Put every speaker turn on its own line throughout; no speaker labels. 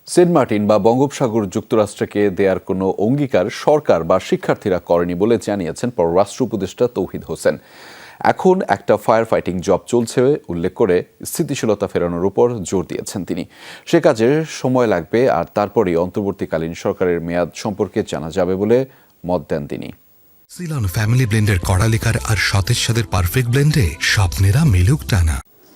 Saint Martin বা বঙ্গোপসাগর যুক্তরাষ্ট্রকে দেয়ার কোনো অঙ্গীকার সরকার বা শিক্ষার্থীরা করেনি বলে জানিয়েছেন পররাষ্ট্র উপদেষ্টা তৌহিদ হোসেন। এখন একটা ফায়ার ফাইটিং জব চলছে উল্লেখ করে স্থিতিশীলতা ফেরানোর উপর জোর দিয়েছেন তিনি। সে কাজে সময় লাগবে আর তারপরেই অন্তর্বর্তীকালীন সরকারের মেয়াদ সম্পর্কে জানা যাবে বলে মত দেন তিনি।
সিলন ফ্যামিলি ব্লেন্ডের কড়ালিকার আর সতেজ স্বাদের পারফেক্ট ব্লেন্ডে স্বপ্নেরা মিলুক টানা।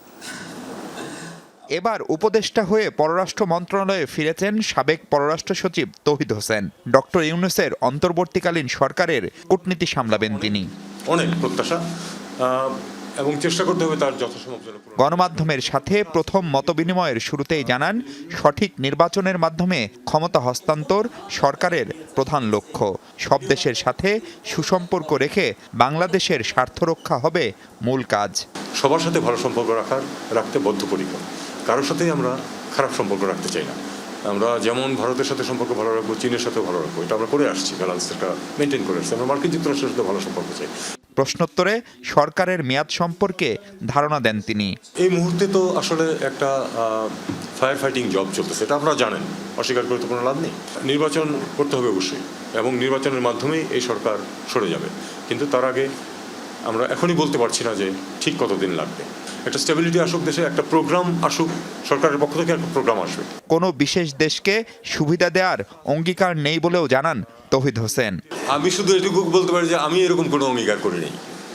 এবার উপদেষ্টা হয়ে পররাষ্ট্র মন্ত্রণালয়ে ফিরেছেন সাবেক পররাষ্ট্র সচিব তৌহিদ হোসেন। ডক্টর ইউনূসের অন্তর্বর্তীকালীন সরকারের কূটনীতি সামলাবেন তিনি।
অনেক প্রত্যাশা এবং চেষ্টা করতে হবে তার যথাসম্ভব।
গণমাধ্যমের সাথে প্রথম মতবিনিময়ের শুরুতেই জানান, সঠিক নির্বাচনের মাধ্যমে ক্ষমতা হস্তান্তর সরকারের প্রধান লক্ষ্য। সব দেশের সাথে সুসম্পর্ক রেখে বাংলাদেশের স্বার্থ রক্ষা হবে মূল কাজ।
সবার সাথে ভালো সম্পর্ক রাখতে বদ্ধপরিকর। কারোর সাথেই আমরা খারাপ সম্পর্ক রাখতে চাই না। আমরা যেমন ভারতের সাথে সম্পর্ক ভালো রাখবো, চীনের সাথেও ভালো রাখবো, এটা আমরা করে আসছি, ব্যালেন্সটা মেনটেন করে আসছি। আমরা মার্কিন যুক্তরাষ্ট্রের সাথে ভালো সম্পর্ক চাই।
প্রশ্নোত্তরে সরকারের মেয়াদ সম্পর্কে ধারণা দেন তিনি।
এই মুহূর্তে তো আসলে একটা ফায়ার ফাইটিং জব চলতেছে, এটা আপনারা জানেন, অস্বীকার করে তো কোনো লাভ নেই। নির্বাচন করতে হবে অবশ্যই, এবং নির্বাচনের মাধ্যমেই এই সরকার সরে যাবে। কিন্তু তার আগে আমরা এখনই বলতে পারছি না যে ঠিক কতদিন লাগবে। একটা স্টেবিলিটি আসুক দেশে, একটা প্রোগ্রাম আসুক, সরকারের পক্ষ থেকে একটা প্রোগ্রাম আসবে।
কোনো বিশেষ দেশকে সুবিধা দেওয়ার অঙ্গীকার নেই বলেও জানান তৌহিদ হোসেন।
আমি শুধু এটুকু বলতে পারি যে আমি এরকম কোনো অঙ্গীকার করিনি।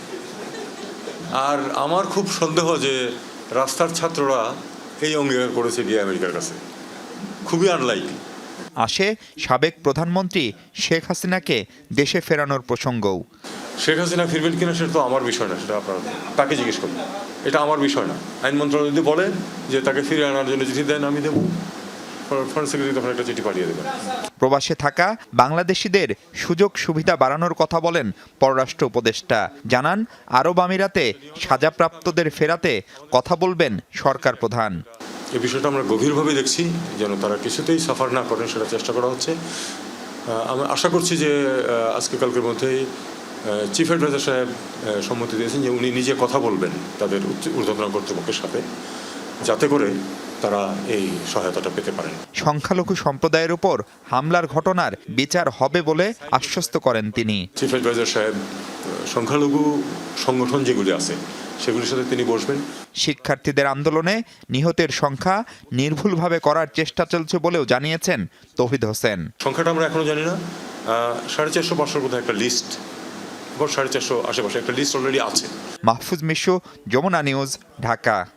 আর আমার খুব সন্দেহ যে রাস্তার ছাত্ররা এই অঙ্গীকার করেছে গিয়ে আমেরিকার কাছে, খুবই আনলাইকলি।
আসে সাবেক প্রধানমন্ত্রী শেখ হাসিনাকে দেশে ফেরানোর প্রসঙ্গও।
শেখ হাসিনা ফিরবেন কিনা সেটা তো আমার বিষয় না, সেটা আপনারা তাকে জিজ্ঞেস করবেন। এটা আমার বিষয় না। আইন মন্ত্রণালয় যদি বলেন যে তাকে ফিরে আনার জন্য চিঠি দেন, আমি দেবো। ফরেন সেক্রেটারি তখন একটা চিঠি পাঠিয়ে দেবেন।
প্রবাসে থাকা বাংলাদেশিদের সুযোগ সুবিধা বাড়ানোর কথা বলেন পররাষ্ট্র উপদেষ্টা। জানান, আরব আমিরাতে সাজাপ্রাপ্তদের ফেরাতে কথা বলবেন সরকার প্রধান।
এই বিষয়টা আমরা গভীরভাবে দেখছি, যেন তারা কিছুতেই সাফার না করেন সেটা চেষ্টা করা হচ্ছে। আমি আশা করছি যে আজকে কালকের মধ্যেই চিফ অ্যাডভাইজার সাহেব সম্মতি দিয়েছেন যে উনি নিজে কথা বলবেন তাদের ঊর্ধ্বতন কর্তৃপক্ষের সাথে, যাতে করে তারা এই সহায়তাটা পেতে পারেন।
সংখ্যালঘু সম্প্রদায়ের উপর হামলার ঘটনার বিচার হবে বলে আশ্বস্ত করেন তিনি।
চিফ অ্যাডভাইজার সাহেব সংখ্যালঘু সংগঠন যেগুলি আছে সেগুলির সাথে তিনি বসবেন।
শিক্ষার্থীদের আন্দোলনে নিহতের সংখ্যা নির্ভুলভাবে করার চেষ্টা চলছে বলেও জানিয়েছেন তৌহিদ হোসেন।
সংখ্যাটা আমরা এখনো জানি না। 450-500 কোথাও একটা লিস্ট, 450 আশেপাশে একটা লিস্ট অলরেডি আছে।
মাহফুজ মিশু, যমুনা নিউজ, ঢাকা।